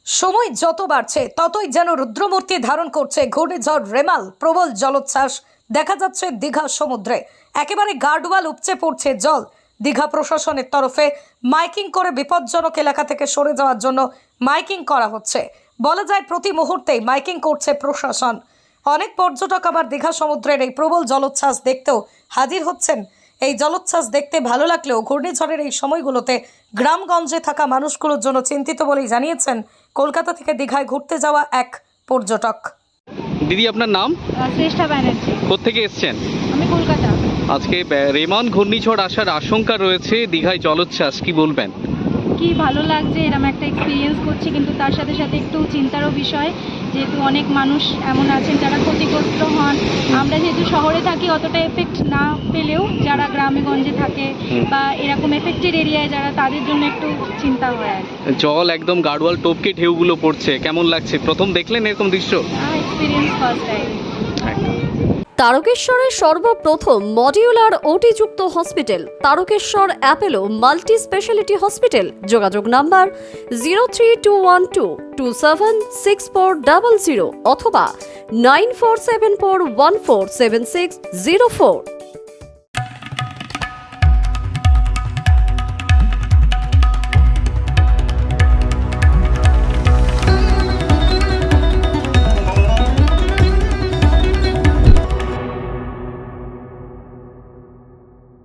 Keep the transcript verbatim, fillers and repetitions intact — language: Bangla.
সময় যত বাড়ছে ততই যেন রুদ্রমূর্তি ধারণ করছে ঘূর্ণিঝড় রেমাল। প্রবল জলোচ্ছ্বাস দেখা যাচ্ছে দীঘা সমুদ্রে, একেবারে গার্ডওয়াল উপচে পড়ছে জল। দীঘা প্রশাসনের তরফে মাইকিং করে বিপজ্জনক এলাকা থেকে সরে যাওয়ার জন্য মাইকিং করা হচ্ছে। বলা যায় প্রতি মুহূর্তেই মাইকিং করছে প্রশাসন। অনেক পর্যটক আবার দীঘা সমুদ্রের এই প্রবল জলোচ্ছ্বাস দেখতেও হাজির হচ্ছেন। এই জলোচ্ছ্বাস দেখতে ভালো লাগলেও ঘূর্ণিঝড়ের এই সময়গুলোতে গ্রামগঞ্জে থাকা মানুষগুলোর জন্য চিন্তিত বলেই জানিয়েছেন কলকাতা থেকে দীঘায় ঘুরতে যাওয়া এক পর্যটক। দিদি, আপনার নাম? শ্রেষ্ঠা ব্যানার্জি। কোত্থেকে এসছেন? আমি কলকাতা। আজকে রেমন ঘূর্ণিঝড় আসার আশঙ্কা রয়েছে, দীঘায় জলোচ্ছ্বাস, কি বলবেন? কি ভালো লাগছে, এরকম একটা এক্সপিরিয়েন্স করছি, কিন্তু তার সাথে সাথে একটু চিন্তারও বিষয়, যেহেতু অনেক মানুষ এমন আছেন যারা ক্ষতিগ্রস্ত হন। আমরা যেহেতু শহরে থাকি অতটা এফেক্ট না পেলেও যারা গ্রামে গঞ্জে থাকে বা এরকম এফেক্টেড এরিয়ায় যারা, তাদের জন্য একটু চিন্তা হয় আর কি। জল একদম গাড়োয়াল টপকে ঢেউগুলো পড়ছে, কেমন লাগছে? প্রথম দেখলেন এরকম দৃশ্য? Experience first time. তারকেশ্বরের সর্বপ্রথম মডিউলার ওটিযুক্ত hospital Tarakeswar Apollo multi specialty hospital. যোগাযোগ number zero three two one two two seven six four double zero অথবা nine four seven four one four seven six zero four.